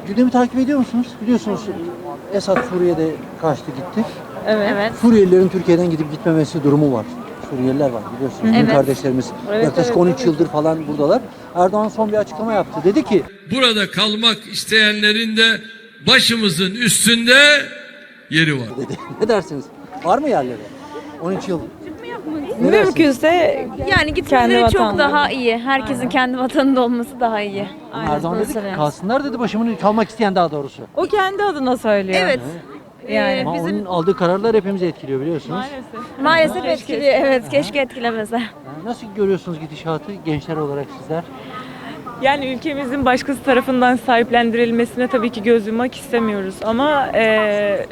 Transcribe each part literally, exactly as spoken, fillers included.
Gündemi takip ediyor musunuz? Biliyorsunuz Esad Suriye'de kaçtı gitti. Evet. Evet. Suriyelilerin Türkiye'den gidip gitmemesi durumu var. Suriyeliler var biliyorsunuz. Bizim Evet. kardeşlerimiz Evet, yaklaşık evet, on üç evet. yıldır falan buradalar. Erdoğan son bir açıklama yaptı. Dedi ki burada kalmak isteyenlerin de başımızın üstünde yeri var. dedi. Ne dersiniz? Var mı yerleri? on üç yıl. Ne dersiniz? Mümkünse Yani kendi gitmeleri çok vatanları. daha iyi. Herkesin kendi vatanında olması daha iyi. Ama Erdoğan dedi ki Mesela. kalsınlar dedi başımın kalmak isteyen daha doğrusu. O kendi adına söylüyor. Evet. Yani. Ama bizim onun aldığı kararlar hepimizi etkiliyor biliyorsunuz. Maalesef. maalesef etkiliyor. Evet, keşke etkilemese. Yani nasıl görüyorsunuz gidişatı gençler olarak sizler? Yani ülkemizin başkası tarafından sahiplendirilmesine tabii ki göz yummak istemiyoruz ama eee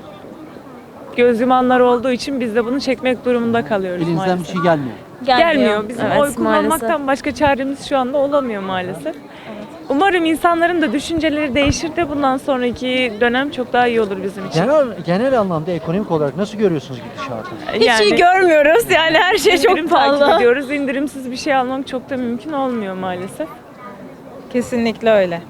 göz yumanlar olduğu için biz de bunu çekmek durumunda kalıyoruz Elinizden maalesef. bir şey gelmiyor. Gelmiyor. Bizim Evet, oy kullanmaktan maalesef. başka çaremiz şu anda olamıyor maalesef. Umarım insanların da düşünceleri değişir de bundan sonraki dönem çok daha iyi olur bizim için. Genel genel anlamda ekonomik olarak nasıl görüyorsunuz gidişatı? Hiç iyi görmüyoruz. Yani her şey indirim çok takip pahalı. ediyoruz. İndirimsiz bir şey almak çok da mümkün olmuyor maalesef. Kesinlikle öyle.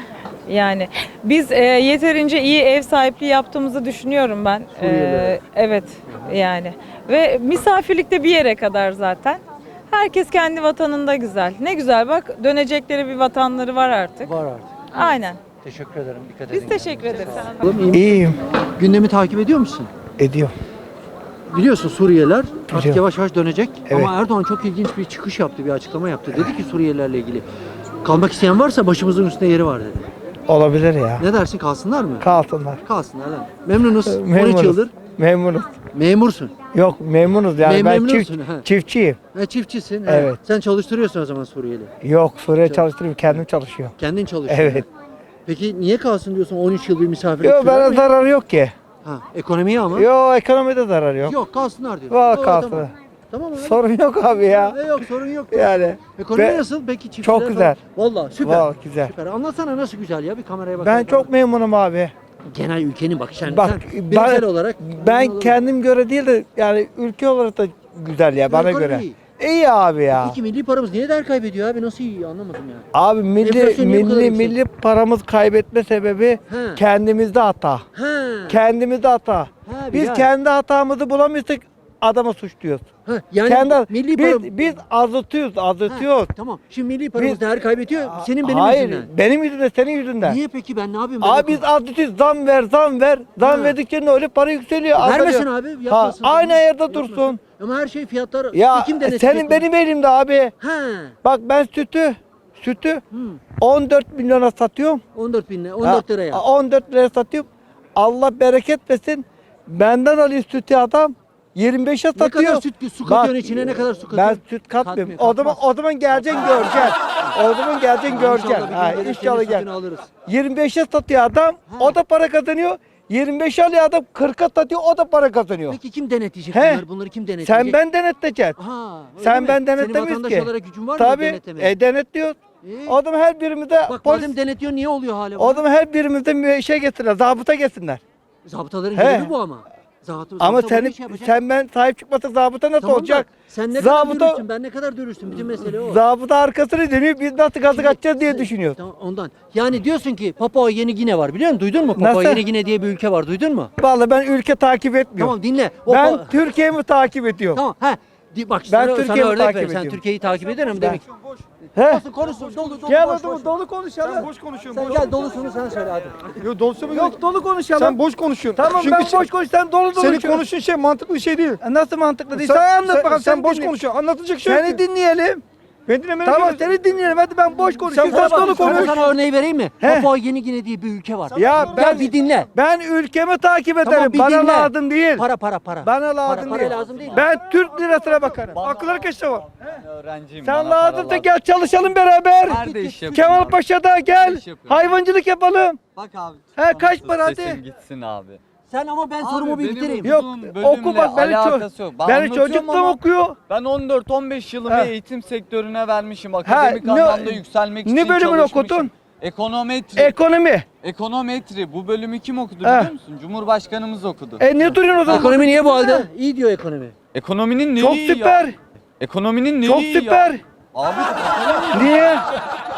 Yani biz e, yeterince iyi ev sahipliği yaptığımızı düşünüyorum ben. Suriyelilere. E, evet yani. Ve misafirlikte bir yere kadar zaten. Herkes kendi vatanında güzel. Ne güzel bak dönecekleri bir vatanları var artık. Var artık. Aynen. Teşekkür ederim. Dikkat edin. Biz teşekkür ederiz. Oğlum, iyi misin? İyiyim. Gündemi takip ediyor musun? Ediyor. Biliyorsun Suriyeliler artık Biliyorum. yavaş yavaş dönecek. Evet. Ama Erdoğan çok ilginç bir çıkış yaptı, bir açıklama yaptı. Dedi ki Suriyelilerle ilgili kalmak isteyen varsa başımızın üstünde yeri var dedi. Olabilir ya. Ne dersin kalsınlar mı? Kalsınlar. Kalsınlar lan. Memnunuz. on üç Memnunuz. yıldır Memnunuz. memursun. Yok memnunuz yani Mem- ben memnunsun, çift, ha. çiftçiyim. Ha, çiftçisin. he. Evet. Sen çalıştırıyorsun o zaman Suriyeli. Yok Suriye çalıştırıyorum kendim çalışıyorum. Kendin çalışıyorsun. Evet. Peki niye kalsın diyorsun on üç yıl bir misafirlik Yok sürer bana mi? zararı yok ki. Ha, ekonomiye ama. Yok ekonomide zarar yok. Yok kalsınlar diyorsun. Var Oo, kalsın. Tamam. Tamam abi. Sorun yok abi ya. E, yok sorun yok. Yani. Ekonomi Ve- nasıl peki çiftçiler? Çok falan? güzel. Vallahi süper. Vallahi güzel. Süper. Anlatsana nasıl güzel ya bir kameraya bak. Ben çok memnunum abi. genel ülkenin bak sen, Bak sen bireysel ben, olarak ben memnun olursun. kendim göre değil de yani ülke olarak da güzel ya bana Ekonomi göre. iyi. İyi abi ya. Peki milli paramız niye değer kaybediyor abi? Nasıl iyi anlamadım ya. Abi milli Enflasyon niye bu kadar milli yüksek? milli paramız kaybetme sebebi He. kendimizde hata. Ha. Kendimizde hata. Ha, Biz Bilal. kendi hatamızı bulamıyorsak adama suçluyoruz. Ha, yani kendi milli biz, param- biz azıtıyoruz, azıtıyoruz. Ha, tamam. Şimdi milli paramız Biz- değer kaybediyor. Senin benim Hayır, yüzümden. benim yüzümden, senin yüzünden. Niye peki ben ne yapayım? Ben Abi biz azıtıyoruz, zam ver, zam ver. Zam Ha. verdikçe ne öyle para yükseliyor. Vermesin azalıyor. abi. Ha, Yapmasın. aynı yerde Yapmasın. dursun. Ama her şey fiyatlar. Ya kim denetleyecek senin bunu? benim elimde abi. Ha. Bak ben sütü, sütü Hı. on dört milyona satıyorum. on dört bin lira. on dört liraya. Ha, on dört liraya satıyorum. Allah bereket versin. Benden alıyor sütü adam. yirmi beşe Ne satıyor. kadar süt su katıyorsun içine, ne kadar su Ben katıyorsun? süt katmıyorum. Katmıyor, O zaman katmaz. o zaman geleceksin göreceksin. O zaman geleceksin göreceksin. İnşallah bir Ha, gün gelir, inşallah senin gel. sütünü alırız. yirmi beşe satıyor adam. Ha. O da para kazanıyor. yirmi beşe alıyor adam kırka satıyor. O da para kazanıyor. Peki kim denetleyecek He. bunları? Bunları kim denetleyecek? Sen ben denetleyeceksin. Ha, öyle Sen mi? ben Senin denetlemiyoruz vatandaş ki. olarak gücün var mı Tabii. denetlemeye? E denetliyor. İyi. O zaman her birimizde Bak polis. madem denetliyor niye oluyor hala? O zaman her birimizde bir şey getirsinler. Zabıta getirsinler. Zabıtaların He. görevi bu ama. Zabıta, Ama zabıta böyle sen iş yapacak. sen ben sahip çıkmasak zabıta nasıl Tamam da olacak? Sen ne kadar Zabıta- dürüstsün, ben ne kadar dürüsttüm. Bütün mesele o. Zabıta arkasını dönüyor. Biz nasıl gazı kaçacağız diye düşünüyoruz. Tamam, ondan. Yani diyorsun ki Papua Yeni Gine var biliyor musun? Duydun mu? Papua Nasıl? Yeni Gine diye bir ülke var. Duydun mu? Vallahi ben ülke takip etmiyorum. Tamam dinle. O Ben pa- Türkiye'mi takip ediyorum. Tamam. He. Di- Bak Ben sana, sana Türkiye'mi örnek takip vereyim. Sen ediyorum. Türkiye'yi takip eder mi demek? He? Olsun konuşsun. Dolu dolu. Gel boş, o boş. dolu konuşalım. Sen boş konuşuyorsun. Sen boş. gel dolusunu sen söyle hadi. Yo, dolusu mu? Yok dolu konuşalım. Sen boş konuşuyorsun. Tamam Çünkü ben sen- boş konuş sen dolu dolu Senin konuşuyorsun. konuştuğun şey mantıklı bir şey değil. E, Nasıl mantıklı değil? Sen, Sen, anlat sen, bakalım. sen boş dinle. konuşuyorsun. Anlatacak şey yok Seni ki. dinleyelim. Ben dinlemene Tamam gerek yok. seni dinleyelim. Hadi ben boş konuşuyorum. boş Sen dolu konuş. Sana, konuş. sana örneği vereyim mi? He. Papua Yeni Gine diye bir ülke var. Ya ben Gel bir dinle. Ben ülkemi takip ederim. Tamam, bir Bana dinle. lazım değil. Para para para. Bana lazım para, değil. Para lazım değil. Ben Türk lirasına bakarım. Akıl hareketi var. Öğrenciyim. Sen bana para lazım da lazım. gel çalışalım beraber. Nerede iş yapıyorsun? Kemal Paşa'da gel. iş yapıyorum. Hayvancılık yapalım. Bak abi. He, kaç sus, para hadi? sesin gitsin abi. Sen ama ben Abi, sorumu bir benim bitireyim. Yok okuduğum oku bölümle bak beni, alakası yok. ço- Ben beni anlatıyorum çocukluğum ama okuyor. Ben on dört on beş yılımı Ha. eğitim sektörüne vermişim. Akademik ne- anlamda yükselmek ne için bölümünü çalışmışım. okudun? Ekonometri. Ekonomi. Ekonometri. Bu bölümü kim okudu Ha. biliyor musun? Cumhurbaşkanımız okudu. E ne duruyorsun o zaman? Ekonomi niye bu halde? İyi diyor ekonomi. Ekonominin neyi Çok iyi süper. ya? Ekonominin neyi Çok iyi ya? süper. Abi Niye?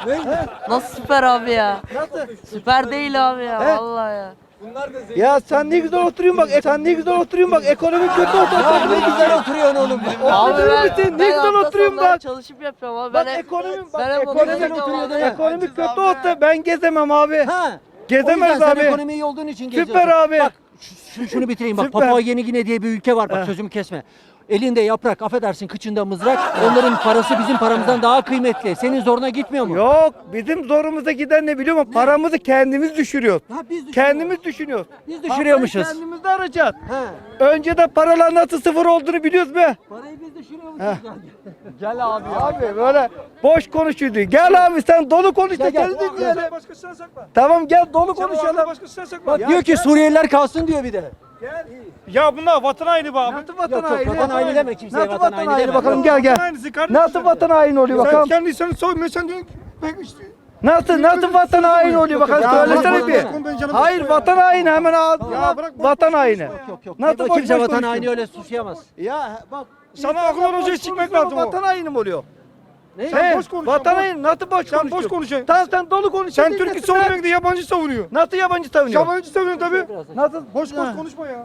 Nasıl süper abi ya? Nasıl? Süper değil abi ya He? vallahi ya. Ya sen ne güzel oturuyorsun bak. e- Sen ne güzel oturuyorsun bak. Ekonomi kötü oturuyorsun. Ne güzel oturuyorsun oğlum. Abi Oturur ben, musun? Ne ben güzel hafta oturuyorsun sonları bak. çalışıp yapıyorum abi. Bak ben hep- ekonomi bak. ben hep Ekonomi onu kötü yapıyorum abi. Ekonomi kötü olsa ben gezemem abi. Ha. Gezemez O yüzden abi. sen ekonomi iyi olduğun için Süper geziyorsun. abi. Bak şu- şunu bitireyim bak. Süper. Papua Yeni Gine diye bir ülke var bak Heh. sözümü kesme. Elinde yaprak, affedersin kıçında mızrak. Onların parası bizim paramızdan daha kıymetli. Senin zoruna gitmiyor mu? Yok bizim zorumuza giden ne biliyor musun? Paramızı kendimiz düşürüyoruz. Ha, biz düşürüyoruz. Kendimiz düşünüyoruz. Biz düşürüyormuşuz. Parayı kendimiz de arayacağız. He. Önce de paralar nasıl sıfır olduğunu biliyoruz be. Parayı biz düşürüyormuşuz. Gel abi ya. Abi böyle boş konuşuyordu. Gel abi sen dolu konuş da Gel, gel gel. dinleyelim. Başkasından sakla. Tamam gel dolu Sen o konuşalım. aklı başkasından sakla. Bak diyor ki Suriyeliler kalsın diyor bir de. Ya bunlar vatan haini be abi. Nasıl vatan Yok yok haini? vatan haini deme kimseye Nasıl vatan vatan haini haini deme. bakalım Yok. gel gel. Vatan hainisi kardeşim. Nasıl vatan haini oluyor Sen bakalım? kendi insanı soymuyor sen diyorsun ki ben işte. Nasıl nasıl vatan haini oluyor bakalım Ya söylesene bırak bir. bunu, ben canım Hayır istiyorum. vatan haini hemen ağzına. Ya bırak, boş Vatan boş haini. konuşma ya. Yok yok. Nasıl Nasıl boş kimse boş vatan konuşuyorsun? haini öyle suçlayamaz. Ya bak. Sana akıl olacak boş çıkmak konuşuyor, lazım o. Vatan haini mi oluyor? Ne? Sen He, boş konuşuyorsun, Vatan boş. haini nasıl boş Sen boş konuşuyorsun? konuşuyorsun. Tamam sen dolu konuşuyorsun. Sen Türk'ü savunuyorsun da yabancı savunuyor. Nasıl yabancı savunuyorsun? Yabancı savunuyor tabii. Nasıl? Boş boş Ha. konuşma ya.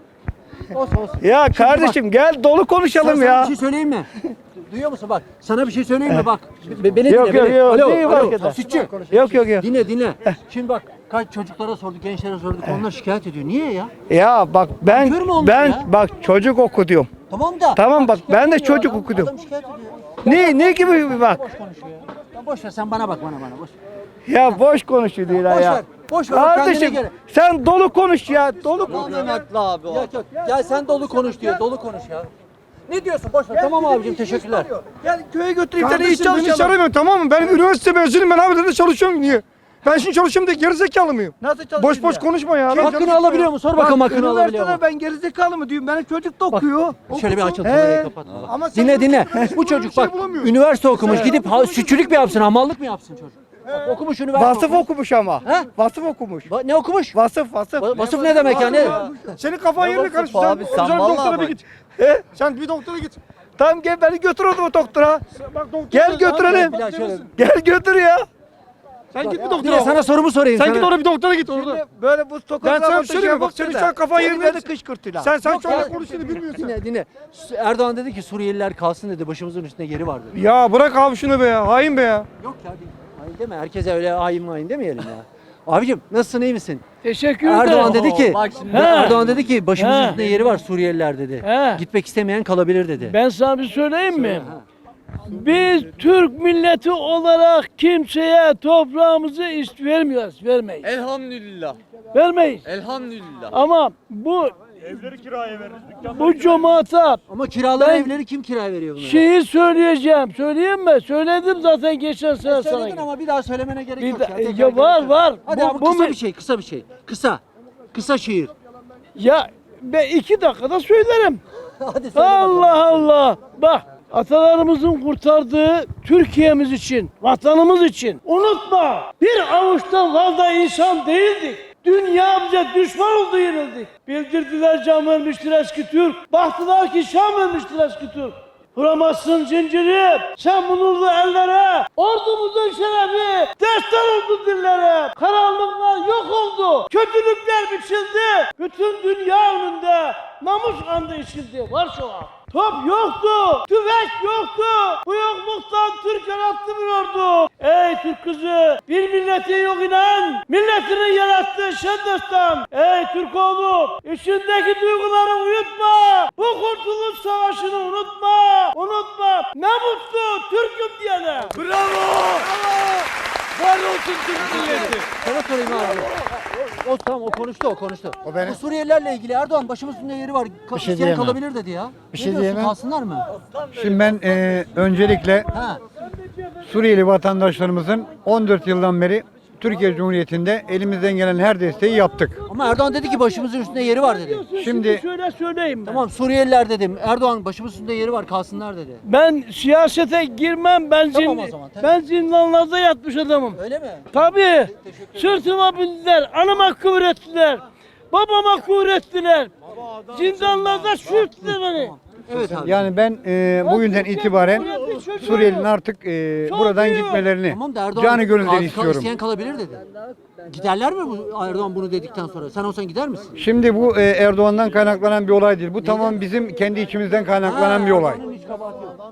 Olsun olsun. Ya kardeşim gel dolu konuşalım Sana ya. bir şey söyleyeyim mi? Duyuyor musun bak? Sana bir şey söyleyeyim mi bak? Be- beni Yok, dinle. yok, beni. yok. Alo, Neyi alo. fark eder? Sütçü. Yok yok yok. Dinle dinle. Şimdi bak kaç çocuklara sorduk, gençlere sorduk. Onlar şikayet ediyor. Niye ya? Ya bak ben Kör mü olmuş ben ya? bak çocuk okudum. Tamam da. Tamam bak, şikayet ben de ediyor çocuk adam. okudum. Adam şikayet ediyor. Ne ne gibi bir bak. Boş konuşuyor ya. Ya boş ver sen bana bak bana bana boş. ver. Ya boş konuşuyor değil Boş ya. ver. Boş ver. Kendine Kardeşim göre. sen dolu konuş ya. Dolu konuş. Tamamen haklı abi o. Yok yok. Gel sen dolu konuş diyor. Dolu konuş ya. Ne diyorsun? Boş ver. Tamam abicim teşekkürler. Gel köye götüreyim seni iş Kardeşim beni çalışalım. çağırmıyorum tamam mı? Ben üniversite mezunuyum ben abi de çalışıyorum niye? Ben şimdi çalışıyorum diye gerizekalı mıyım? Nasıl çalışayım Boş boş ya? konuşma ya. Lan canım Hakkını alabiliyor mu? Sor Bak, bakalım hakkını alabiliyor mu? üniversitede ben gerizekalı mı diyorum? Benim çocuk da okuyor. Şöyle bir açıl He. kamerayı kapatma. bak. Ama sen Dinle dinle. bir Bu çocuk şey bak bulamıyorsun. üniversite okumuş gidip ha, sütçülük mü yapsın hamallık mı yapsın çocuk? Bak, okumuş üniversite Vasıf okumuş. okumuş ama. He? Vasıf okumuş. Va- Ne okumuş? Vasıf vasıf. Va- Vasıf ne demek yani? Senin kafan yerine Nasıl karıştı. abi, Sen, sen sen vallahi doktora bir bak. git. He? Sen bir doktora git. Tamam gel beni götür o zaman doktora. Bak doktora. Gel götürelim. Bir daha şöyle- Gel götür ya. Sen git bir Dinle, doktora. sana sorumu sorayım. Sen sana. git orada bir doktora git orada. Şimdi böyle bu Ben sokakta sana bir şey söyleyeyim mi? Bak senin şu an kafan yerinde. Böyle kışkırtıyla. Sen sen Yok şu anda ya. konuştuğunu bilmiyorsun. Dinle dinle. Erdoğan dedi ki Suriyeliler kalsın dedi. Başımızın üstünde yeri var dedi. Ya bırak abi şunu be ya. Hain be ya. Yok ya değil. Hain deme. Herkese öyle hain hain demeyelim ya. Abicim nasılsın iyi misin? Teşekkür ederim. Erdoğan dedi ki Bak şimdi. Erdoğan dedi ki başımızın He. üstünde yeri var Suriyeliler dedi. He. Gitmek istemeyen kalabilir dedi. Ben sana bir söyleyeyim mi? Biz Türk milleti olarak kimseye toprağımızı ist vermiyoruz, vermeyiz. Elhamdülillah. Vermeyiz. Elhamdülillah. Ama bu Evleri kiraya veririz. bu cemaata Ama kiraları Ben- evleri kim kiraya veriyor bunlara? şeyi söyleyeceğim. Söyleyeyim mi? Söyledim zaten geçen sene E, sana. söyledin ama bir daha söylemene gerek Bir yok da- ya. Tekrar ya var, gerek yok. var. Hadi Bu- abi bu kısa mi- bir şey, kısa bir şey. Kısa. Kısa şiir. Ya ben iki dakikada söylerim. Hadi söyle bakalım. Allah Allah. Bak atalarımızın kurtardığı Türkiye'miz için, vatanımız için. Unutma bir avuçtan fazla insan değildik. Dünya bize düşman oldu yenildik. Bildirdiler can vermiştir eski Türk. Baktılar ki şan vermiştir eski Türk. Vuramazsın zinciri, sen bu nurlu ellere, ordumuzun şerefi, destan oldu dillere. Karanlıklar yok oldu, kötülükler biçildi. Bütün dünya önünde namus andı içildi. Var şu an. Top yoktu, tüfek yoktu. Bu yokluktan Türk yarattı bir ordu. Ey Türk kızı, bir milleti yok inan, milletini yarattığı şen destan. Ey Türk oğlu, içindeki duyguları uyutma. Bu kurtuluş savaşını unutma. Unutma. Ne mutlu Türk'üm diyene. Bravo! Var olsun Türk milleti. Sana sorayım abi. O tamam o konuştu o konuştu. O benim. Bu Suriyelilerle ilgili Erdoğan başımızın üstünde yeri var. Ka- Bir şey isteyen diyemem. kalabilir dedi ya. Bir ne şey diyorsun diyemem. kalsınlar mı? Şimdi ben e, öncelikle Ha. Suriyeli vatandaşlarımızın on dört yıldan beri Türkiye Cumhuriyeti'nde elimizden gelen her desteği yaptık. Ama Erdoğan dedi ki başımızın üstünde yeri var dedi. Şimdi Şimdi- şöyle söyleyeyim ben. Tamam Suriyeliler dedim. Erdoğan başımızın üstünde yeri var kalsınlar dedi. Ben siyasete girmem. Ben, Tamam zin- o zaman, tabii. ben zindanlarda yatmış adamım. Öyle mi? Tabii. Sırtıma bindiler. Anama kıvrettiler. Babama kıvrettiler. Zindanlarda sürttüler beni. Evet abi. Yani ben e, bugünden itibaren Suriyelilerin artık e, buradan gitmelerini Tamam da Erdoğan canı gönülden kal- kal- istiyorum. isteyen kalabilir dedi. Giderler mi bu Erdoğan bunu dedikten sonra? Sen olsan gider misin? Şimdi bu e, Erdoğan'dan kaynaklanan bir olay değil. Bu tamam bizim kendi içimizden kaynaklanan bir olay. Erdoğan'ın hiç kabahati yok.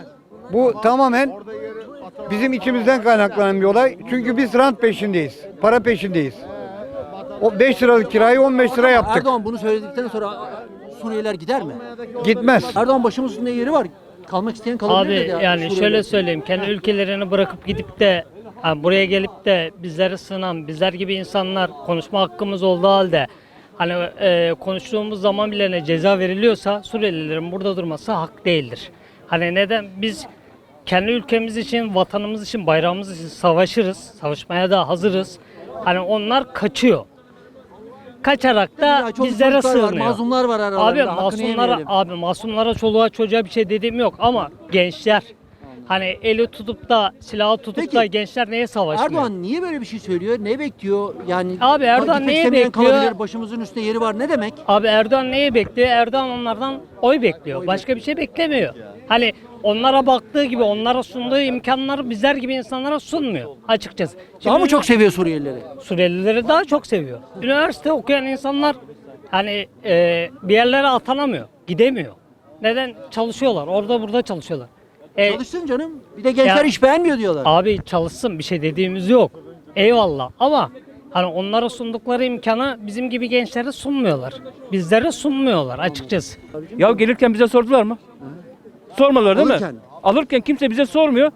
Bu tamamen bizim içimizden kaynaklanan bir olay. Çünkü biz rant peşindeyiz. Para peşindeyiz. O beş liralık kirayı on beş lira yaptık. Erdoğan bunu söyledikten sonra Suriyeliler gider mi? Gitmez. Erdoğan başımın üstünde yeri var. Kalmak isteyen kalabilir dedi. Abi yani Suriyeliler. şöyle söyleyeyim, kendi ülkelerini bırakıp gidip de ha, buraya gelip de bizleri sınan, bizler gibi insanlar konuşma hakkımız olduğu halde hani e, konuştuğumuz zaman bile ne ceza veriliyorsa Suriyelilerin burada durması hak değildir. Hani neden biz kendi ülkemiz için, vatanımız için, bayrağımız için savaşırız, savaşmaya da hazırız. Hani onlar kaçıyor. Kaçarak da Ya çok bizlere çocuklar var, sığınıyor. mazlumlar var aralarında. Abi hakkını masumlara, yemeyelim. abi masumlara, çoluğa çocuğa bir şey dediğim yok ama gençler hani eli tutup da silahı tutup Peki, da gençler neye savaşmıyor? Erdoğan niye böyle bir şey söylüyor? Ne bekliyor? Yani Abi Erdoğan gitmek neye istemeyen bekliyor? kalabilir, başımızın üstünde yeri var. Ne demek? Abi Erdoğan neyi bekliyor? Erdoğan onlardan oy bekliyor. Başka bir şey beklemiyor. Hani onlara baktığı gibi, onlara sunduğu imkanları bizler gibi insanlara sunmuyor açıkçası. Daha mı Şimdi çok seviyor Suriyelileri? Suriyelileri daha çok seviyor. Üniversite okuyan insanlar hani e, bir yerlere atanamıyor, gidemiyor. Neden? Çalışıyorlar, orada burada çalışıyorlar. E, Çalışsın canım. Bir de gençler Ya- iş beğenmiyor diyorlar. Abi çalışsın, bir şey dediğimiz yok. Eyvallah ama hani onlara sundukları imkanı bizim gibi gençlere sunmuyorlar. Bizlere sunmuyorlar açıkçası. Ya gelirken bize sordular mı? Sormadılar değil Alırken. mi? Alırken kimse bize sormuyor.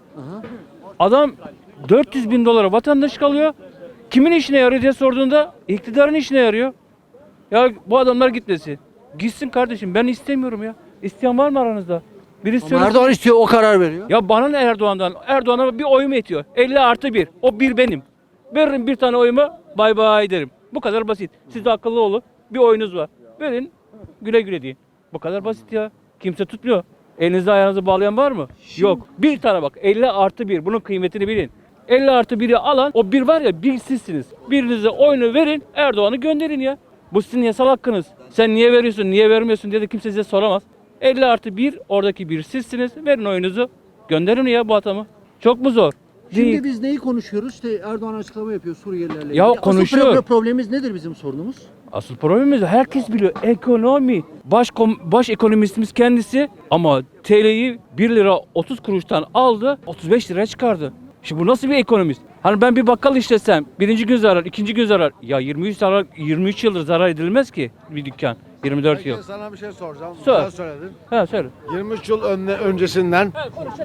Adam dört yüz bin dolara vatandaş kalıyor. Kimin işine yarıyor diye sorduğunda iktidarın işine yarıyor. Ya bu adamlar gitmesin. Gitsin kardeşim, ben istemiyorum ya. İsteyen var mı aranızda? Birisi Ama söylesin. Erdoğan istiyor, o karar veriyor. Ya bana ne Erdoğan'dan? Erdoğan'a bir oyum yetiyor. elli artı bir. O bir benim. Veririm bir tane oyumu, bay bay derim. Bu kadar basit. Siz de akıllı olun. Bir oyunuz var. Verin, güle güle deyin. Bu kadar basit ya. Kimse tutmuyor. Elinizde ayağınızı bağlayan var mı? Yok. Bir tane bak. elli artı bir. Bunun kıymetini bilin. elli artı biri alan, o bir var ya, bir sizsiniz. Birinize oyunu verin, Erdoğan'ı gönderin ya. Bu sizin yasal hakkınız. Sen niye veriyorsun, niye vermiyorsun diye de kimse size soramaz. elli artı bir, oradaki bir sizsiniz. Verin oyunuzu. Gönderin ya bu adamı. Çok mu zor? Şimdi Değil. biz neyi konuşuyoruz? İşte Erdoğan açıklama yapıyor Suriyelilerle. Ya ilgili. konuşuyor. Asıl pro- problemimiz nedir bizim sorunumuz? Asıl problemimiz herkes biliyor. Ekonomi. Baş, kom- baş ekonomistimiz kendisi ama T L'yi bir lira otuz kuruştan aldı, otuz beş liraya çıkardı. Şimdi bu nasıl bir ekonomist? Hani ben bir bakkal işletsem birinci gün zarar, ikinci gün zarar. Ya yirmi üç zarar, yirmi üç yıldır zarar edilmez ki bir dükkan. yirmi dört yıl. Sana bir şey soracağım. Sor. Sen söyledin. Ha söyle. yirmi üç yıl önne, öncesinden.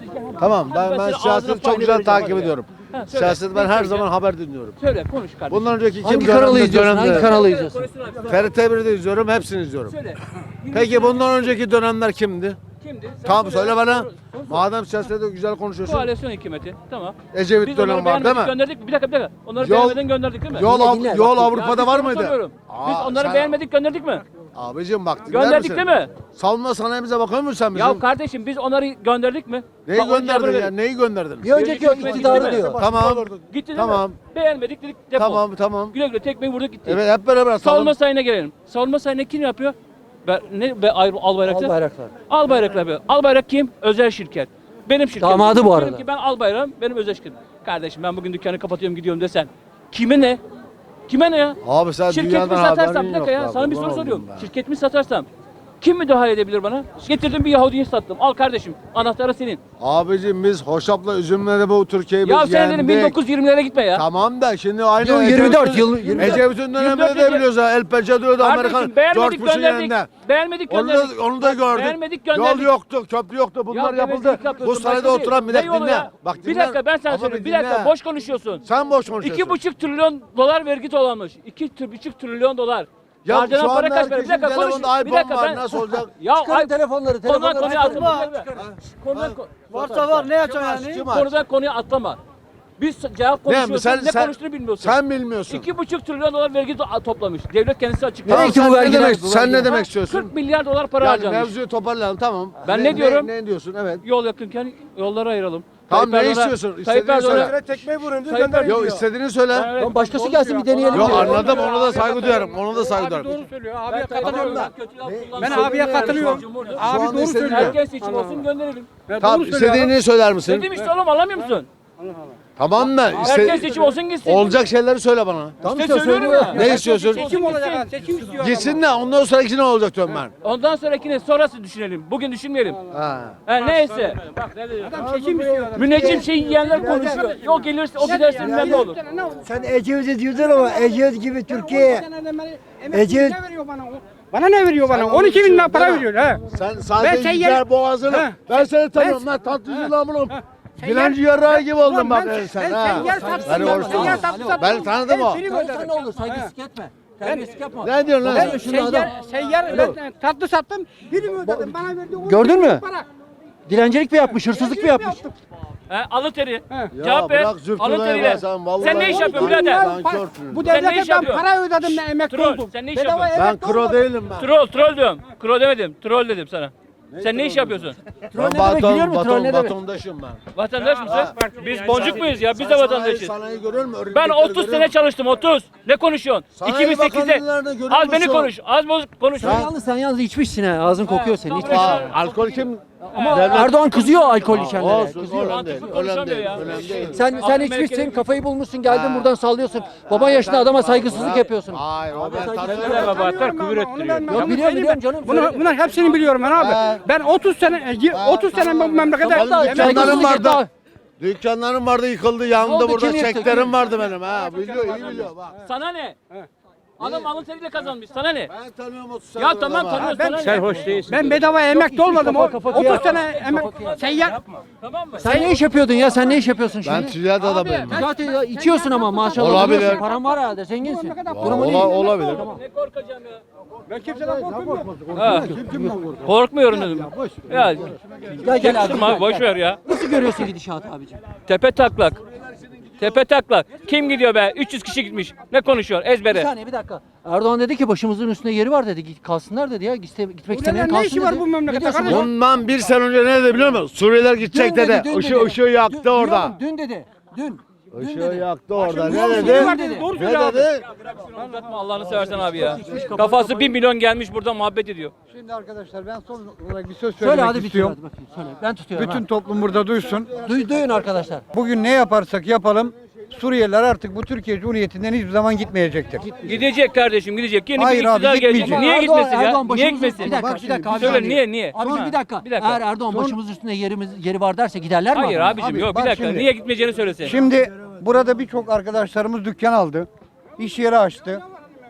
Tamam ben, ben siyaseti çok güzel takip ediyorum. Siyaseti ben her zaman haber dinliyorum. Söyle konuş kardeşim. Bundan önceki Hangi kim kanalı dönemde izliyorsun? Hangi dönemde. kanalı izliyorsun? F R T bir'i de izliyorum, hepsini izliyorum. Söyle. Peki bundan önceki dönemler kimdi? Kimdi? Sen Tamam söyle bana. Sor, sor. Madem siyasette güzel konuşuyorsun. Koalisyon hükümeti. Tamam. Ecevit Biz dönemi onları var değil beğenmedik mi? gönderdik mi? Bir dakika bir dakika. Onları Yol- beğenmeden gönderdik değil mi? Yol, Dinle, Av- dinle, yol bak. Avrupa'da Ya var biz mıydı? soruyorum. Biz Aa, onları sen- beğenmedik gönderdik mi? Abicim bak dinler Gönderdik misin? değil mi? Savunma sanayimize bakıyor musun sen bizim? Ya kardeşim biz onları gönderdik mi? Neyi Bak, onu gönderdin cevabını ya? verin. Neyi gönderdin? Bir önceki Önceki iktidarı hükümet diyor. gitti Tamam. Gitti değil Tamam. mi? Beğenmedik dedik defol. Tamam tamam. Güle güle tekmeyi vurduk gitti. Evet hep beraber Savunma savun. sayına gelelim. Savunma sayına kim yapıyor? Be, ne be, Al- Albayraktar? Albayraktar. Albayraklar yapıyor. Albayrak kim? Özel şirket. Benim şirketim. Damadı bu arada. Benimki, ben Albayrak'ım, benim özel şirketim. Kardeşim ben bugün dükkanı kapatıyorum gidiyorum desen. Kime ne? Kime ne ya? Abi sen Şirketimi dünyadan satarsam, haberin bir dakika yok ya bak, sana bir kurban soru soruyorum. oldum ben. Şirketimi satarsam kim müdahale edebilir bana? Getirdim bir Yahudi'yi sattım. Al kardeşim anahtarı senin. Abicim biz Hoşap'la üzümle de bu Türkiye'yi biz Ya sen dedim yendik. bin dokuz yüz yirmilere gitme ya. Tamam da şimdi aynı Yıl Ecevit'in- yirmi dört, yıl yirmi dört. Ecevit'in döneminde yirmi dört de biliyoruz ha. El Pençe diyordu Amerikan. Kardeşim George beğenmedik Bush'un gönderdik. yanında. Beğenmedik Onu da, gönderdik. onu da gördük. Beğenmedik Yol gönderdik. yoktu, köprü yoktu. Bunlar Ya yapıldı. gevezlik Bu yapıyorsun, sarayda başka oturan değil. millet Ne yolu dinle. ya? Bak Bir dinle. dakika ben sana Ama söyleyeyim. Bir dinle. dakika boş konuşuyorsun. Sen boş konuşuyorsun. İki buçuk trilyon dolar vergi toplanmış. İki tür- buçuk trilyon dolar. Ya Harcanan şu para anda kaç para? Bir herkesin dakika konuş. telefonunda Bir iPhone dakika var, ben. nasıl olacak? Ya Çıkarın ay- telefonları, Konudan telefonları konuya çıkarın. atlama. Konudan ko- Varsa var ne yapacağım yani? Kim aç? Konudan konuya atlama. Biz cevap Ne, konuşuyorsun. sen- Ne sen- konuştuğunu bilmiyorsun. Sen bilmiyorsun. İki buçuk trilyon dolar vergi to- toplamış. Devlet kendisi açıkladı. Nereye Tamam, gitti sen bu ne vergiler? demek, Bu sen vergiler? ne demek istiyorsun? kırk milyar dolar para Yani harcanmış. mevzuyu toparlayalım tamam. Ben ne diyorum? Ne, ne diyorsun evet. Yol yakınken yolları ayıralım. Tamam ne Erdoğan'a- istiyorsun? Tayyip İstediğini söyle. Erdoğan'a Tekmeyi vurun diyor, Tayyip gönderin Yok diyor. istediğini söyle. Lan başkası gelsin bir deneyelim. Yok diyor. anladım ona da saygı duyarım. Ona da saygı duyarım. Doğru söylüyor. Abiye katılıyorum ben. Ben Ben abiye katılıyorum. Abi anda doğru istediğini söylüyor. Herkes seçim olsun gönderelim. Ben Tamam doğru söylüyor adam. istediğini söyler misin? Dedim işte oğlum anlamıyor musun? Tamam da Herkes iste... seçim olsun gitsin. olacak şeyleri söyle bana. Tamam İşte işte söylüyorum söylüyor. ya. Ne istiyorsun? Seçim olacak ha. Seçim istiyor. Gitsin de ondan sonraki ne olacak diyorum ben. Ondan sonrakini sonrası düşünelim. Bugün düşünmeyelim. Ha. Ha, neyse. Adam seçim istiyor adam. Müneccim şey yiyenler konuşuyor. Yok gelirse o giderse bilmem ne olur. Sen Ecevit'i diyordun ama Ecevit gibi Türkiye. Ecevit Ne veriyor bana? Bana ne veriyor bana? on iki bin lira para veriyor ha. Sen Ben sadece seyyar- yüzer boğazını. Ha. Ben seni tanıyorum lan tatlıcı lamunum. Dilenci yarrağı gibi oldun bak Ben- sen ben ha. seyyar sattım Ben ya, hoş seyyar buldum. sattım, sattım. Ben tanıdım o. Ben prim Sen öderim. ne olur saygısızlık etme. Terbiyesizlik yapma. Ne diyorsun lan Ben sen? Şunu adam. seyyar, seyyar ben tatlı sattım. Prim ödedim. Bana verdi. on Gördün iki bin mü? para. Dilencilik mi yapmış, hırsızlık mı yapmış? He, alın teri. Ya Cevap ver. bırak Alın zürtüne teriyle. be sen vallahi. Sen ne iş yapıyorsun Lan- birader? lan körtün. Bu Sen ne devlete iş ben yapıyorsun? para ödedim de emekli Troll. oldum. Sen ne iş Bedava yapıyorsun? Ben emekli kro oldum. değilim ben. Troll, troll diyorum. Kro demedim. Troll dedim sana. Sen ne iş yapıyorsun? Troll Ben ne demek biliyor baton, musun? Troll ne baton, demek? batondaşım ben. Vatandaş mısın? Biz boncuk muyuz ya? Biz de Sen vatandaşız. Sanayi, sanayi görüyor musun? Ben Örümcekleri otuz görüyor sene musun? çalıştım otuz. Ne konuşuyorsun? Sanayi iki bin sekizde. Bakanlığı'nda görüyor Az beni musun? konuş. Az bozuk konuş. Sen yalnız sen yalnız içmişsin ha. Ağzın kokuyor senin. İçmişsin. Aa, alkol kim? Ama Devlet- Erdoğan kızıyor alkol içenlere. Olsun, Kızıyor. önemli değil. Mantıklı Önemli konuşamıyor değil. ya. Önemli değil. Sen sen Aklım içmişsin, merkezi- kafayı bulmuşsun, geldin buradan sallıyorsun. Baban yaşında adama saygısızlık yapıyorsun. Hayır, o ben saygısızlık tatlı. Ne babatlar Onu küfür ben- onu ben- ettiriyor. Yok, onu biliyorum, söyleyeyim biliyorum ben. canım, Bunu, söyle. bunlar hepsini biliyorum ben abi. Ha. Ben otuz sene, otuz sene bu memlekete Kapalı emek- dükkanlarım saygısızlık vardı. etti. Dükkanlarım vardı yıkıldı Ne yandı oldu, burada kim yıktı, çeklerim kim? vardı benim ha. Biliyor iyi biliyor bak. Sana ne? Adam alın teriyle kazanmış. Sana ne? Ben tanıyorum otuz sene. Ya tamam tanıyorsun. Ben- sana Sen ne? hoş değilsin. Ben bedava emekli olmadım. kafa O- kafa otuz kıyak. sene emek seyyar. Tamam mı? Sen ne iş yapıyordun ya? Sen ne iş yapıyorsun Ben şimdi? ticaret adamıyım. ben. Zaten ya içiyorsun ama maşallah. Olabilir. biliyorsun, Paran var herhalde, zenginsin. Durumun iyi. Ola, olabilir. Ne korkacağım ya? Ben kimseden korkmuyorum. Ha. Korkmuyorum dedim. Ya Gel gel abi. yakıştırma abi boş ver ya. Nasıl görüyorsun gidişatı abicim? Tepe taklak. Tepe taklak. Kim gidiyor be? üç yüz kişi gitmiş. Ne konuşuyor? Bir Ezbere. saniye bir dakika. Erdoğan dedi ki başımızın üstünde yeri var dedi. Git kalsınlar dedi ya. Gitse, gitmek istemeyen ne kalsın işi dedi. var bu memlekette Ne diyorsun? kardeşim? Bundan bir sene önce ne dedi biliyor musun? Suriyeliler gidecek Dün dedi. dün Işığı dedi. ışığı yaktı Dün- orada. Dün, dün dedi. Dün. Dün Işığı dedi. yaktı orada. Başımızın Ne üstünde dedi? var dedi. Doğru Ne söylüyor abi. dedi? Uzatma Allah'ını seversen abi ya. Kafası bir milyon gelmiş burada muhabbet ediyor. Şimdi arkadaşlar ben son olarak bir söz Söyle söylemek hadi bir istiyorum. hadi bakayım. Söyle. Ben tutuyorum. Bütün ha. toplum burada duysun. Duy, duyun arkadaşlar. Bugün ne yaparsak yapalım Suriyeliler artık bu Türkiye Cumhuriyeti'nden hiçbir zaman gitmeyecektir. Gidecek kardeşim gidecek. Yeni Hayır bir abi, iktidar gelecek. gitmeyecek. Niye Erdoğan- gitmesin ya? Erdoğan Niye başımızın- gitmesin? Bir dakika, Bak bir şimdi, dakika abi. Söyle saniye. niye niye? Abicim bir dakika. Bir dakika. Eğer Erdoğan Son- başımız üstünde yerimiz yeri var derse giderler mi? Hayır adam? abicim Abi, yok bir bak dakika. şimdi. Niye gitmeyeceğini söylesin. Şimdi burada birçok arkadaşlarımız dükkan aldı. İş yeri açtı.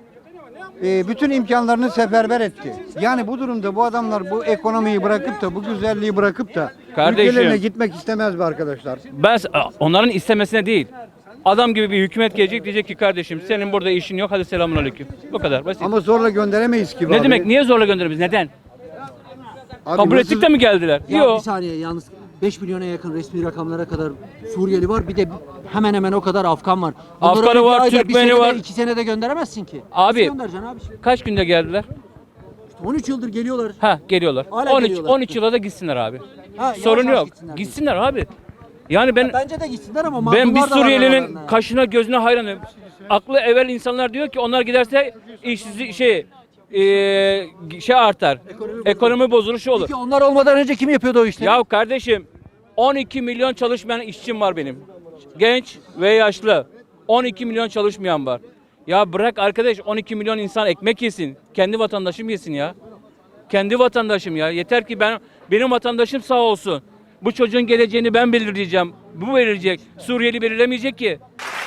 Ee, bütün imkanlarını seferber etti. Yani bu durumda bu adamlar bu ekonomiyi bırakıp da bu güzelliği bırakıp da Kardeşim. ülkelerine gitmek istemez mi arkadaşlar? Ben onların istemesine değil. Adam gibi bir hükümet gelecek diyecek ki kardeşim senin burada işin yok hadi selamünaleyküm. Bu kadar basit. Ama zorla gönderemeyiz ki. Ne abi. demek niye zorla göndeririz? Neden? Abi Kabul hırsız- ettik de mi geldiler? Ya Yok. bir saniye yalnız beş milyona yakın resmi rakamlara kadar Suriyeli var. Bir de hemen hemen o kadar Afgan var. Bunları Afganı öyle bir var, ayda, bir Türkmeni senede, var. iki senede gönderemezsin ki. Abi. Nasıl göndereceksin abi? Kaç günde geldiler? on üç yıldır geliyorlar. Ha geliyorlar. Hala on üç geliyorlar. on üç yıla da gitsinler abi. Ha, yavaş Sorun yavaş yok. gitsinler. Gitsinler abi. Yani ben Bence de gitsinler ama ben bir mazlumlar da var Suriyelinin aralarında. kaşına gözüne hayranım. Aklı evvel insanlar diyor ki onlar giderse işsizlik şey eee, şey artar. Ekonomi bozulur şu olur. Peki onlar olmadan önce kim yapıyordu o işleri? Ya kardeşim on iki milyon çalışmayan işçim var benim. Genç ve yaşlı. on iki milyon çalışmayan var. Ya bırak arkadaş on iki milyon insan ekmek yesin. Kendi vatandaşım yesin ya. Kendi vatandaşım ya. Yeter ki ben benim vatandaşım sağ olsun. Bu çocuğun geleceğini ben belirleyeceğim. Bu belirleyecek. Suriyeli belirlemeyecek ki.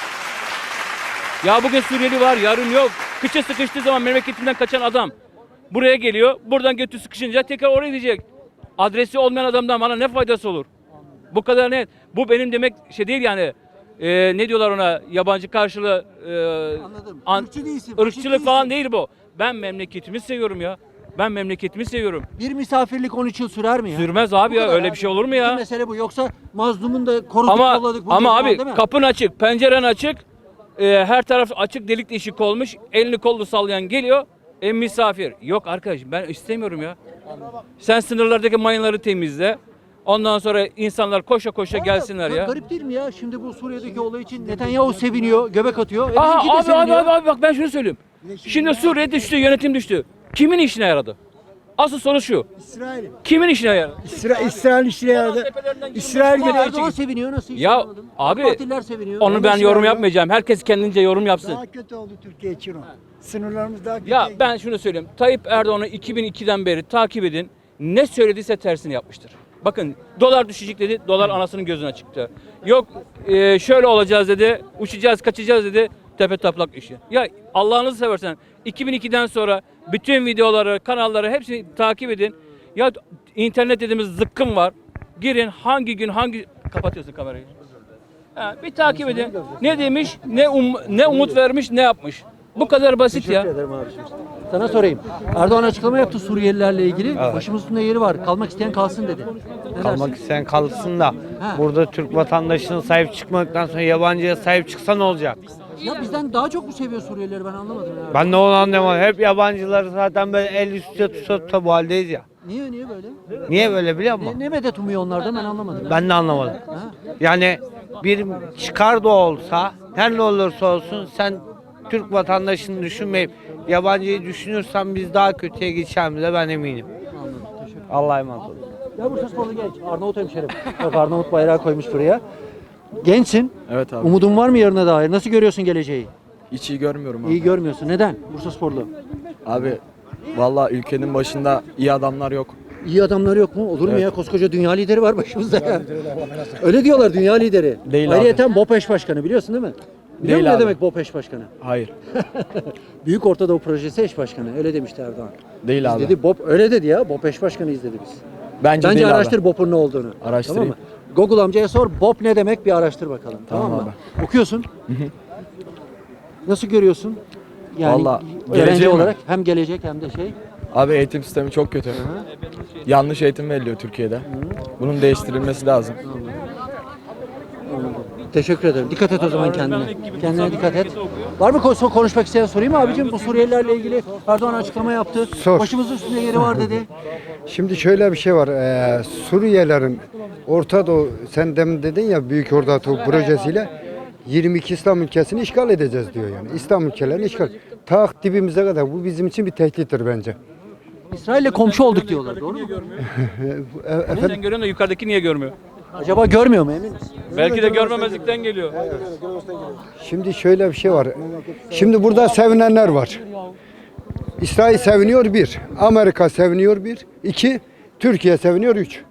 Ya bugün Suriyeli var, yarın yok. Kıça sıkıştığı zaman memleketinden kaçan adam buraya geliyor. Buradan götü sıkışınca tekrar oraya gidecek. Adresi olmayan adamdan bana ne faydası olur? Bu kadar net. Bu benim demek şey değil yani. Ee, ne diyorlar ona? Yabancı karşılığı e, Anladım. an- Irkçı değilsin, faşist ırkçılık falan değilsin. değil bu. Ben memleketimi seviyorum ya. Ben memleketimi seviyorum. Bir misafirlik on üç yıl sürer mi ya? Sürmez abi Bu ya. kadar Öyle abi. bir şey olur mu Bütün ya? mesele bu. Yoksa mazlumun da koruduk Ama kolladık. bu ama diyorsun, abi değil mi? kapın açık, penceren açık. e, her taraf açık, delik deşik olmuş. Elini kollu sallayan geliyor. E, misafir. Yok arkadaşım ben istemiyorum ya. Sen sınırlardaki mayınları temizle. Ondan sonra insanlar koşa koşa Ama gelsinler ga- ya. Garip değil mi ya? Şimdi bu Suriye'deki olay için Netanyahu seviniyor, göbek atıyor. E Aa, bizimki de abi, abi seviniyor. abi abi bak ben şunu söyleyeyim. Şimdi Suriye düştü, yönetim düştü. Kimin işine yaradı? Asıl soru şu. İsrail. Kimin işine yaradı? İsrail, İsrail işine yaradı. İsrail Ama gibi. Erdoğan seviniyor nasıl? hiç Ya anlamadım. abi, Partililer seviniyor. Onu ben Yanlış yorum yani. yapmayacağım. Herkes kendince yorum yapsın. Daha kötü oldu Türkiye için o. Sınırlarımız daha kötü. Ya ben şunu söyleyeyim. Tayyip Erdoğan'ı iki bin ikiden beri takip edin. Ne söylediyse tersini yapmıştır. Bakın dolar düşecek dedi. Dolar anasının gözüne çıktı. Yok e, şöyle olacağız dedi. Uçacağız, kaçacağız dedi. Tepe taplak işi. Ya Allah'ınızı seversen iki bin ikiden sonra bütün videoları, kanalları hepsini takip edin. Ya internet dediğimiz zıkkım var. Girin hangi gün hangi kapatıyorsun kamerayı. Ha, bir takip edin. Ne demiş, ne um, ne umut vermiş, ne yapmış. Bu kadar basit ya. Teşekkür ederim abiciğim. Sana sorayım. Erdoğan açıklama yaptı Suriyelilerle ilgili. Başımızın üstünde yeri var. Kalmak isteyen kalsın dedi. Ne Kalmak dersin? isteyen kalsın da Ha. burada Türk vatandaşına sahip çıkmadıktan sonra yabancıya sahip çıksa ne olacak? Ya bizden daha çok mu seviyor Suriyelileri ben anlamadım ya. Ben de onu anlamadım. Hep yabancıları zaten böyle el üstüne tuta tuta bu haldeyiz ya. Niye niye böyle? Niye böyle biliyor musun? Ne, ne medet umuyor onlardan ben anlamadım. Ben de anlamadım. Ha? Yani bir çıkar da olsa her ne olursa olsun sen Türk vatandaşını düşünmeyip yabancıyı düşünürsen biz daha kötüye gideceğimize ben eminim. Anladım. Teşekkür ederim. Allah'a emanet olun. Ya Bursa Sporlu genç. Arnavut hemşerim. Bak Arnavut bayrağı koymuş buraya. Gençsin. Evet abi. Umudun var mı yarına dair? Nasıl görüyorsun geleceği? Hiç iyi görmüyorum abi. İyi görmüyorsun. Neden? Bursa Sporlu. Abi vallahi ülkenin başında iyi adamlar yok. İyi adamları yok mu? Olur mu Evet. ya? Koskoca dünya lideri var başımızda ya. Öyle diyorlar dünya lideri. Değil abi. Ayrıyeten BOP eş başkanı biliyorsun değil mi? Biliyor Değil musun ne abi. demek BOP eş başkanı? Hayır. Büyük Orta Doğu Projesi eş başkanı. Öyle demişti Erdoğan. Değil Biz abi. dedi BOP öyle dedi ya. BOP eş başkanı izledi biz. Bence, Bence değil araştır abi. BOP'un ne olduğunu. Araştırayım. Tamam mı? Google amcaya sor BOP ne demek bir araştır bakalım. Tamam, Tamam mı? Okuyorsun. Nasıl görüyorsun? Yani Vallahi öğrenci geleceği mi? olarak hem gelecek hem de şey. Abi eğitim sistemi çok kötü. Yanlış eğitim veriliyor Türkiye'de. Bunun değiştirilmesi lazım. Teşekkür ederim. Dikkat et o zaman kendine. Kendine dikkat et. Var mı ko- konuşmak isteyen sorayım mı abicim? Bu Suriyelilerle ilgili Erdoğan açıklama yaptı. Sor. Başımızın üstünde yeri var dedi. Şimdi şöyle bir şey var. Ee, Suriyelilerin Orta Doğu, sen demin dedin ya Büyük Orta Doğu projesiyle yirmi iki İslam ülkesini işgal edeceğiz diyor yani. İslam ülkelerini işgal. Ta dibimize kadar. Bu bizim için bir tehdittir bence. İsrail'le komşu olduk diyorlar. Doğru mu? E, Onu efendim, sen görüyorsun da yukarıdaki niye görmüyor? Acaba görmüyor mu emin misin? Belki de görmemezlikten geliyor. şimdi şöyle bir şey var. Şimdi burada sevinenler var. İsrail seviniyor bir. Amerika seviniyor bir. İki. Türkiye seviniyor üç.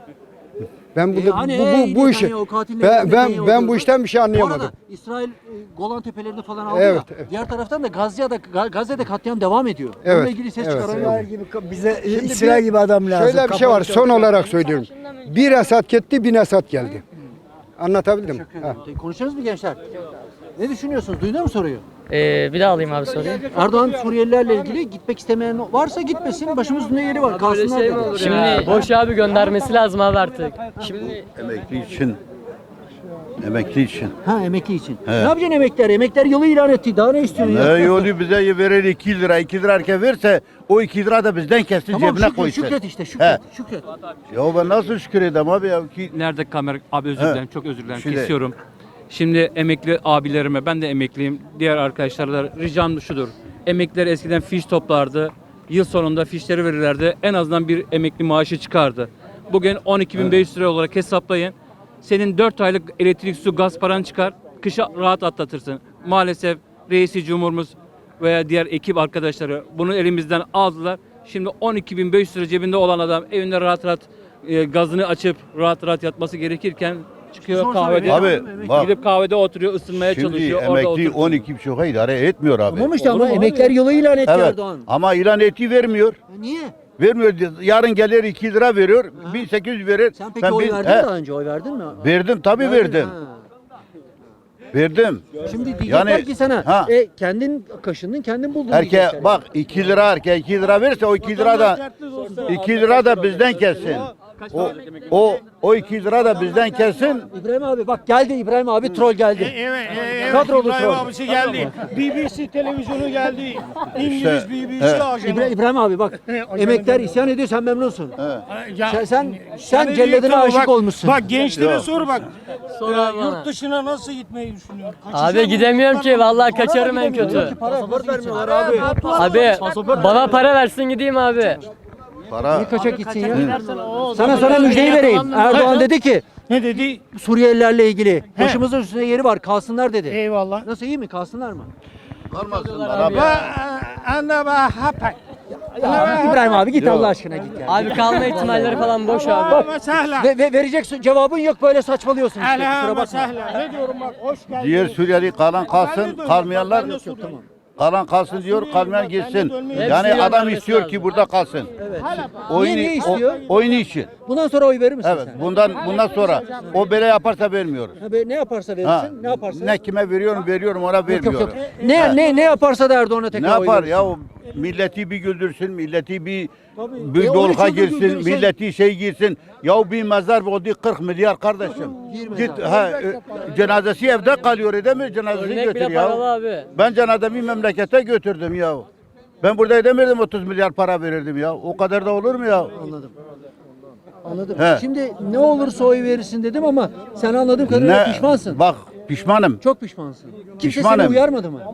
Ben bu, E hani bu, ey bu, bu işi Netanyahu, katilleri ben, ben, Netanyahu ben bu diyorsun. işten bir şey Bu anlayamadım. arada İsrail e, Golan Tepelerini falan aldı Evet, ya. evet. Diğer taraftan da Gazze'de, Ga- Gazze'de katliam devam ediyor. Evet, Onunla ilgili ses evet, çıkaran evet. yok. Bize İsrail gibi adam lazım. Şöyle bir şey var. Son olarak söylüyorum. Bir Esad gitti, bin Esad geldi. Anlatabildim mi? Teşekkür ederim. Konuşuyoruz mu gençler? Ne düşünüyorsunuz? Duydun mu soruyu? Ee, bir daha alayım abi soruyu. Erdoğan Suriyelilerle ilgili gitmek istemeyen varsa gitmesin. Başımızın üstünde yeri var. Kalsınlar dedi. Şimdi boş abi göndermesi lazım abi artık. Şimdi Emekli için. Emekli için. Ha emekli için. Ne yapacaksın emekliler? Emekliler yılı ilan etti. Daha ne istiyorsun ya? yolu bize verir iki lira. iki lira herkes verse o iki lira da bizden kessin Tamam cebine şükret, koysun. şükret işte şükret. He. Şükret. Ya ben nasıl şükür edeyim abi ya ki Nerede kamera? Abi özür He. dilerim, çok özür dilerim. Şimdi- Kesiyorum. Şimdi emekli abilerime, ben de emekliyim. Diğer arkadaşlara da ricam şudur. Emekliler eskiden fiş toplardı. Yıl sonunda fişleri verirlerdi. En azından bir emekli maaşı çıkardı. Bugün on iki bin beş yüz lira olarak hesaplayın. Senin dört aylık elektrik, su, gaz paran çıkar. Kışa rahat atlatırsın. Maalesef reisi cumhurumuz veya diğer ekip arkadaşları bunu elimizden aldılar. Şimdi on iki bin beş yüz lira cebinde olan adam evinde rahat rahat e, gazını açıp rahat rahat yatması gerekirken çıkıyor Sorsana kahvede. emekli Abi, adam, bak. Gidip kahvede oturuyor, ısınmaya şimdi çalışıyor. Orada emekli oturuyor. on iki buçuğa idare etmiyor abi. Tamam işte Olur ama mu abi? emekliler yılı ilan etti Evet Erdoğan. ama ilan eti vermiyor. Ya niye? Vermiyor. Yarın gelir iki lira veriyor. bin sekiz yüz verir. Sen peki Ben oy bin- verdin He, mi daha önce? Oy verdin mi? Verdim tabii Verdin, verdim. ha. Verdim. Şimdi diyecekler Yani- ki sana Ha. e, kendin kaşındın kendin buldun Erke diyecekler. bak iki lira erke iki lira verirse o iki lira da iki lira da bizden kessin. O o o iki lira da bizden kesin. İbrahim abi bak geldi İbrahim abi troll geldi. Evet, evet. Kadrolu İbrahim troll. abisi geldi. B B C televizyonu geldi. İngiliz İşte, B B C evet. ajanı. İbra- İbrahim abi bak emekler isyan ediyor sen memnunsun. Ya, Sen sen, sen sen celladına bak- aşık olmuşsun. Bak gençlere Yok. sor bak. Sor Ya, abi bana. yurt dışına nasıl gitmeyi düşünüyor? Abi gidemiyorum ki vallahi kaçarım en kötü. Pasaport vermiyorlar abi. Abi bana para versin gideyim abi. Para. Bir kaçak gitsin ya. Sana sana müjdeyi vereyim. Erdoğan dedi ki Ne dedi? Suriyelilerle ilgili başımızın üstünde yeri var kalsınlar dedi. Eyvallah. Nasıl iyi mi kalsınlar mı? Kalmasınlar abi. Ana ba hapak. İbrahim abi git Allah aşkına git ya. Abi kalma ihtimalleri falan boş abi. Mesela. Ve, ve verecek cevabın yok böyle saçmalıyorsun işte. Kusura Ala bakma. mesela. Ne diyorum bak hoş geldin. Diğer Suriyeli kalan kalsın, kalmayanlar Ben de Suriyeliyim. kalan kalsın diyor, kalmayan gitsin. dönmeye- Yani Hepsi adam dönmesi istiyor lazım. ki burada kalsın. Oyunu, Niye, niye istiyor? O, oyunu için. Bundan sonra oy verir misin Evet. sen? Bundan bundan sonra o böyle yaparsa vermiyoruz. Ha, be- ne yaparsa Ha. verirsin, ne yaparsa. Ne kime veriyorum, veriyorum ona Yok, yok, vermiyorum. yok. Ne ne ne yaparsa da Erdoğan'a tekrar Ne oy yapar verirsin. ya o milleti bir güldürsün, milleti bir Tabii. bir E, on dolga iki yıldır girsin, güldürürsen- milleti şey girsin. Ya bir mezar oldu kırk milyar kardeşim. Bir Git mezar. ha e, cenazesi evde kalıyor edemiyor cenazesini Örnek götür bile ya. paralı abi. Ben cenazemi memlekete götürdüm ya. Ben burada edemirdim otuz milyar para verirdim ya. O kadar da olur mu ya? Anladım. Anladım. He. Şimdi ne olursa oy verirsin dedim ama sen anladığım kadarıyla pişmansın. Bak pişmanım. Çok pişmansın. Kimse Pişmanım. seni uyarmadı mı?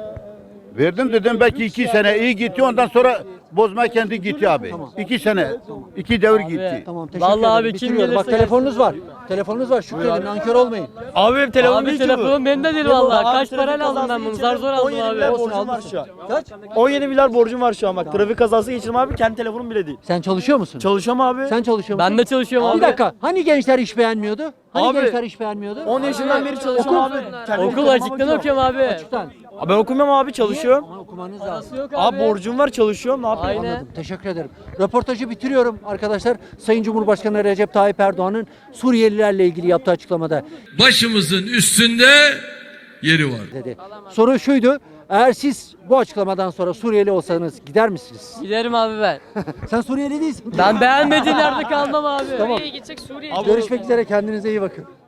Verdim dedim belki iki sene iyi gitti ondan sonra bozma kendi gitti abi. İki sene. iki devir gitti. Tamam teşekkür Vallahi ederim. abi kim Bitiriyorum. Bak gelirse telefonunuz var. Telefonunuz var. Şükredin nankör olmayın. Abi benim telefonum Abi telefonum benim de değil vallahi. Kaç parayla aldım ben bunu? Zar zor aldım abi. Olsun almışsın. Kaç? on yedi milyar borcum var şu an bak. Trafik kazası geçirdim abi. Kendi telefonum bile değil. Sen çalışıyor musun? Çalışıyorum abi. Sen çalışıyor musun? Ben de çalışıyorum abi. Bir dakika. Hani gençler iş beğenmiyordu? Hani Abi, gençler iş beğenmiyordu? on yaşından beri çalışıyorum abi. Kendi Okul telefonuma açıktan bakıyorum. okuyorum abi. Açıktan. Abi ben okumuyorum abi çalışıyorum. Ama okumanız lazım. Yok Abi borcum var çalışıyorum ne yapayım? Aynen. Anladım. Teşekkür ederim. Röportajı bitiriyorum arkadaşlar. Sayın Cumhurbaşkanı Recep Tayyip Erdoğan'ın Suriyelilerle ilgili yaptığı açıklamada Başımızın üstünde yeri var. dedi. Soru şuydu. Eğer siz bu açıklamadan sonra Suriyeli olsanız gider misiniz? Giderim abi ben. Sen Suriyeli değilsin. Ben beğenmediğim yerde kalmam abi. Tamam. Görüşmek üzere. Kendinize iyi bakın.